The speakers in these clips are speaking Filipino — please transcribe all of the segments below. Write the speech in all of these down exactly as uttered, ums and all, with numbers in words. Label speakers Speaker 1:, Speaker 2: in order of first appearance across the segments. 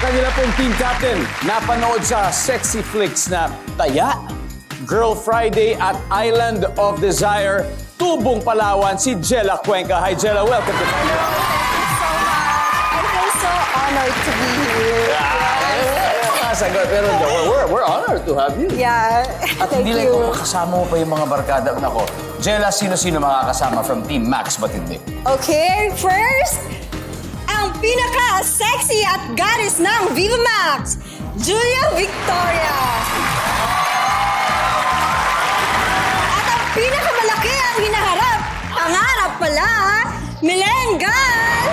Speaker 1: kanila pong team captain napanood sa sexy flicks na Taya, Girl Friday at Island of Desire, Tubong Palawan, si Jella Cuenca. Hi Jella, welcome to Thank
Speaker 2: you so much. I feel so honored to be here.
Speaker 1: Sagot, pero we're, we're, we're honored to have you.
Speaker 2: Yeah,
Speaker 1: At
Speaker 2: thank
Speaker 1: hindi lang
Speaker 2: you.
Speaker 1: kung kasama mo pa yung mga barkada. Nako, Jella, sino-sino makakasama from Team Max ba't hindi?
Speaker 2: Okay, first, ang pinaka-sexy at goddess ng Viva Max, Julia Victoria. At ang pinakamalaki ang hinaharap, pangarap pala, Milengal.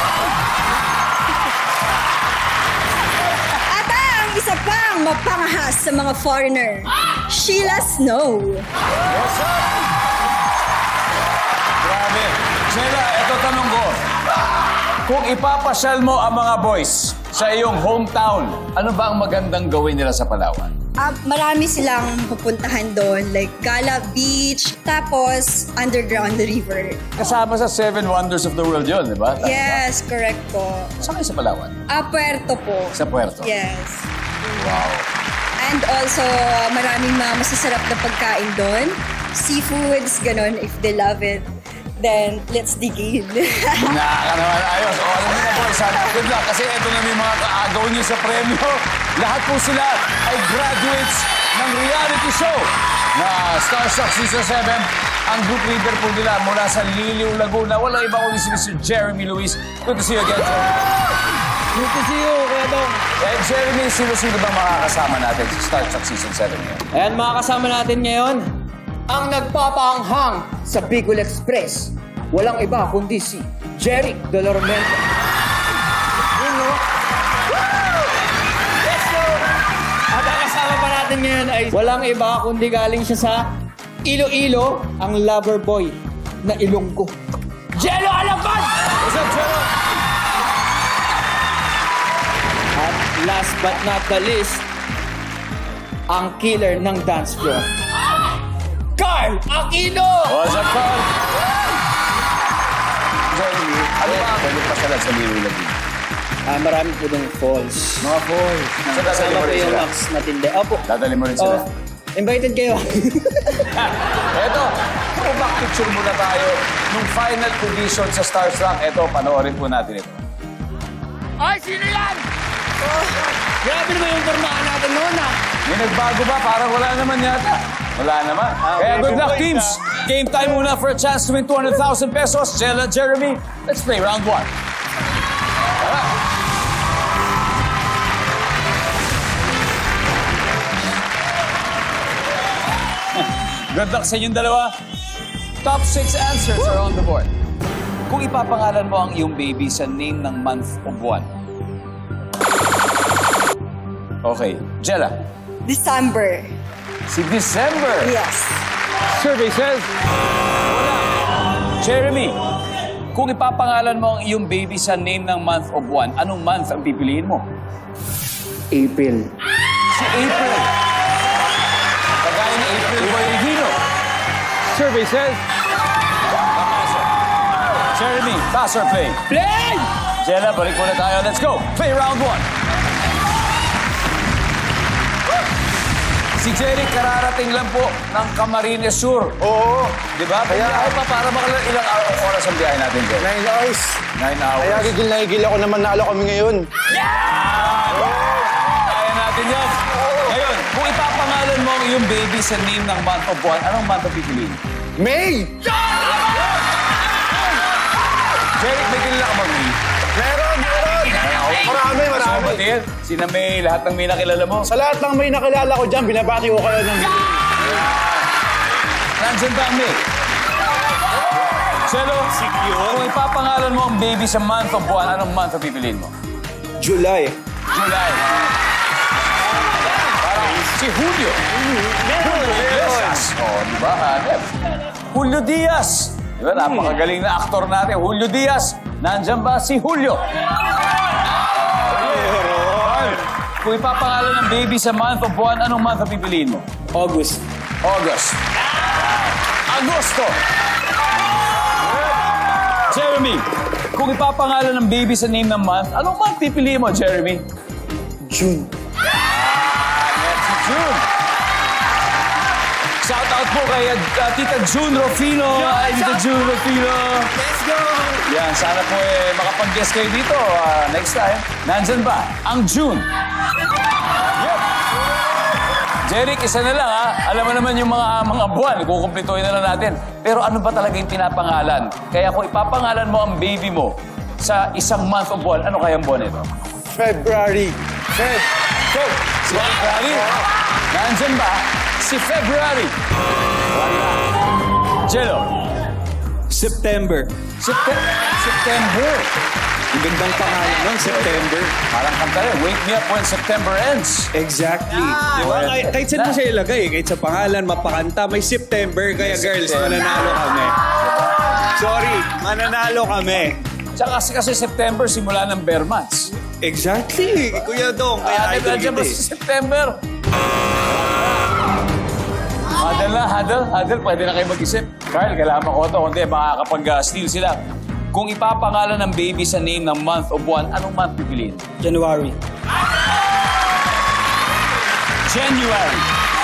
Speaker 2: At ang isa pang mapangahas sa mga foreigner, Sheila Snow.
Speaker 1: What's up? Grabe. Jella, ito tanong ko. Kung ipapasyal mo ang mga boys sa iyong hometown, ano ba ang magandang gawin nila sa Palawan?
Speaker 2: Ah, marami silang pupuntahan doon, like Gala Beach, tapos underground the river.
Speaker 1: Kasama sa Seven Wonders of the World yun, di ba? Tama ba?
Speaker 2: Yes, correct po.
Speaker 1: Saan kayo sa Palawan?
Speaker 2: Ah, Puerto po.
Speaker 1: Sa Puerto?
Speaker 2: Yes.
Speaker 1: Wow.
Speaker 2: And also, maraming mga masasarap na pagkain doon. Seafoods, ganun, if they love it. Then, let's dig in.
Speaker 1: Naka naman, ayos. O, alam mo na boys, sana good luck. Kasi ito na may mga kaagaw niyo sa premyo. Lahat po sila ay graduates ng reality show na Starstruck Season seven. Ang group leader po nila mula sa Liliw, Laguna. Walang iba kundi si Mister Jeremy Luis. Good to see you again, Jeremy.
Speaker 3: Good to see you, Kuya Dong.
Speaker 1: Eh, Jeremy, sino-sino ba makakasama natin sa Starstruck Season seven ngayon?
Speaker 3: Ayan, mga kasama natin ngayon, ang nagpapaanghang sa Bicol Express. Walang iba kundi si Jeric Dolormento. Yun, no? Let's go! At ang kasama pa natin ngayon ay walang iba kundi galing siya sa Iloilo, ang lover boy na Ilonggo. Jello Alacon!
Speaker 1: What's up, Jello?
Speaker 3: At last but not the least, ang killer ng dance floor, Carl Aquino!
Speaker 1: What's up, Carl? Jeremy, ano ba ang pwede pasalan sa Liliw, Laguna?
Speaker 3: Ah, marami po ng falls.
Speaker 1: Mga boys. So, dadali
Speaker 3: Kasama
Speaker 1: mo
Speaker 3: po
Speaker 1: rin
Speaker 3: yung
Speaker 1: sila?
Speaker 3: Max Matinde. Opo.
Speaker 1: Dadali mo rin sila?
Speaker 3: Oh, invited kayo.
Speaker 1: Eto, throwback picture muna tayo nung final audition sa Starstruck. Eto, panoorin po natin ito.
Speaker 3: Ay, sino yan? Oh, grabe naman yung formahan natin noon, ah.
Speaker 1: May nagbago ba? Parang wala naman yata. Wala naman. Kaya good luck, teams. Game time muna for a chance to win two hundred thousand pesos. Jella, Jeremy, let's play round one. Tara. Good luck sa inyong dalawa. Top six answers are on the board. Kung ipapangalan mo ang iyong baby sa name ng month o buwan. Okay, Jella.
Speaker 2: December.
Speaker 1: Si December.
Speaker 2: Yes.
Speaker 1: Survey says... Wala. Jeremy, kung ipapangalan mo ang iyong baby sa name ng month o buwan, anong month ang pipiliin mo?
Speaker 3: April.
Speaker 1: Si April. Kagaya ni April Boy Regino. Survey says... Jeremy, pass or play?
Speaker 3: Play!
Speaker 1: Jella, balik muna tayo. Let's go. Play round one. Si Jerry, kararating lang po ng Camarines Sur.
Speaker 4: Oo.
Speaker 1: Di ba? Kaya ay pa para makalang ilang araw oras ang biyahe natin, Jerry.
Speaker 4: Nine hours.
Speaker 1: Nine hours.
Speaker 4: Kaya gigil na gigil ako naman nalo kami ngayon.
Speaker 1: Kaya natin yan. Ngayon, kung ipapangalan mo ang iyong baby sa name ng month o buwan, anong month ang pipiliin?
Speaker 4: May!
Speaker 1: Jerry, may kilala ka bang May?
Speaker 4: Meron, meron! Marami,
Speaker 1: So,
Speaker 4: marami.
Speaker 1: Batil, sina May, lahat ng May nakilala mo.
Speaker 4: Sa lahat ng may nakilala ko dyan, binabati ko kayo ng
Speaker 1: Nandiyan ba ang May? Chelo, kung ipapangalan mo ang baby sa month o buwan, anong month ang pipiliin mo?
Speaker 4: July.
Speaker 1: July. Parang si Julio. Julio Diaz. Oh, di ba? Hanep. Julio Diaz. Di ba? Napakagaling na aktor natin. Julio Diaz. Nandyan ba si Julio? Kung ipapangalan ng baby sa month o buwan, anong month ang pipiliin mo?
Speaker 3: August.
Speaker 1: August. Agosto. Jeremy, kung ipapangalan ng baby sa name ng month, anong month pipiliin mo, Jeremy?
Speaker 4: June.
Speaker 1: Next si June. Shout out po kay uh, Tita June Rufino. Ay, Tita June Rufino.
Speaker 3: Let's go!
Speaker 1: Yan, sana po eh, makapag-guest kayo dito ah, next time. Nandyan ba? Ang June. Yep. Jeric, isa na lang ha. Alam mo naman yung mga mga buwan, kukumplituhin na lang natin. Pero ano ba talaga yung pinapangalan? Kaya kung ipapangalan mo ang baby mo sa isang month o buwan, ano kayang buwan ito?
Speaker 4: February.
Speaker 1: Feb. Feb. Si February. Nandyan ba? Si February. Wala. Jello.
Speaker 5: September.
Speaker 1: September. September.
Speaker 5: Ang gandang pangalan nun, September.
Speaker 1: Parang kanta rin. Wake me up when September ends.
Speaker 5: Exactly. Di ba? Kahit, kahit saan mo siya ilagay, kahit sa pangalan, mapakanta, may September. Kaya girls,
Speaker 1: September.
Speaker 5: mananalo kami. Sorry, mananalo kami.
Speaker 1: Tsaka kasi, kasi September, simula ng bare months.
Speaker 5: Exactly. Kuya Dong,
Speaker 1: Kaya
Speaker 5: kaya idol
Speaker 1: nandiyan
Speaker 5: kita
Speaker 1: ba
Speaker 5: eh.
Speaker 1: sa September? Huddle na, huddle, huddle. Pwede na kayo mag-isip. Carl, kailangan mo ko ito. Kundi baka kapag uh, steal sila. Kung ipapangalan ng baby sa name ng month o buwan, anong month pipiliin?
Speaker 3: January.
Speaker 1: January.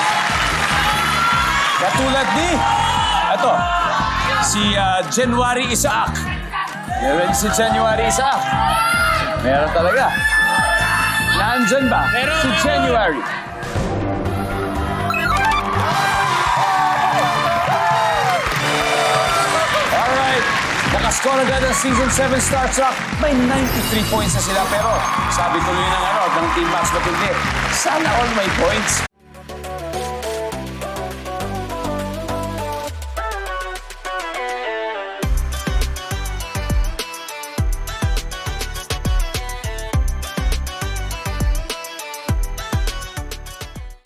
Speaker 1: Katulad ni, ito, si uh, January Isaac. Meron si January Isaac. Meron talaga. Nandyan ba?
Speaker 3: Meron,
Speaker 1: si
Speaker 3: meron.
Speaker 1: January. Alright. Nakascore agad ang Season seven Star Trek. May ninety-three points na sila. Pero sabi tuloy ng, ano, ng Team Max Matindi, sana all may points.